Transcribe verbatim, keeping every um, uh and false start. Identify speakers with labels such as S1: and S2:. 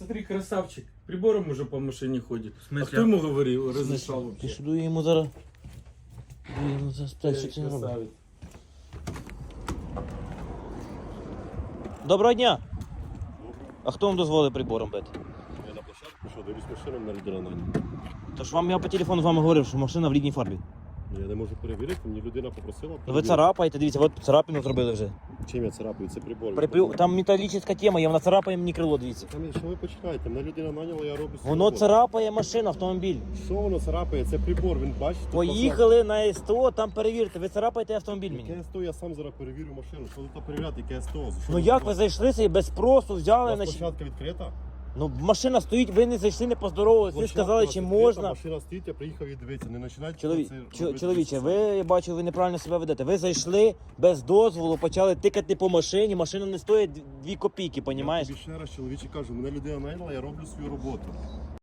S1: смотри, красавчик. Прибором уже по машине ходит.
S2: В смысле?
S1: А кто ему говорил, разрешал
S3: Ти
S1: вообще?
S3: що дує йому зараз? Дує йому зараз
S1: Эй,
S3: питає, що це не робить.
S1: красавец.
S3: Доброго дня! А хто вам дозволив прибором бити?
S4: Я на площадку пішов, дивлюсь машину на людина на ній.
S3: Тож вам я по телефону з вами говорив, що машина в рідній фарбі.
S4: Ну, я не можу перевірити, мені людина попросила.
S3: Ну ви
S4: перевірити.
S3: царапаєте, дивіться, от царапину зробили вже.
S4: Чим я царапаю? Це прибор.
S3: Припи- Там металічна тема, є, вона царапає мені крило, дивіться.
S4: Там, що ви починаєте? Мене людина наняла, я роблю свою
S3: Воно
S4: роботу.
S3: царапає машину, автомобіль.
S4: Що воно царапає? Це прибор, він бачить. тут
S3: Поїхали на СТО, там перевірте, ви царапаєте автомобіль
S4: позначено.
S3: мені.
S4: Яке СТО, я сам зараз перевірю машину. Що тут перевіряти, яке СТО? За що
S3: Ну
S4: ви
S3: як ви
S4: робите?
S3: зайшли собі без спросу,
S4: У
S3: взяли
S4: вас
S3: на...
S4: площадка відкрита?
S3: Ну машина стоїть, ви не зайшли, не поздоровалися, ви
S4: Площадка
S3: сказали,
S4: у вас
S3: чи
S4: відкрита,
S3: можна.
S4: Машина стоїть, я приїхав і дивитися. Не починайте
S3: Чоловік,
S4: це
S3: чо-
S4: робити
S3: чоловіче,
S4: щось
S3: ви, я бачу, ви неправильно себе ведете. Ви зайшли без дозволу, почали тикати по машині, машина не стоїть дві копійки,
S4: Я
S3: понімаєш?
S4: тобі ще раз, чоловіче, кажу, мене людина наняла, я роблю свою роботу.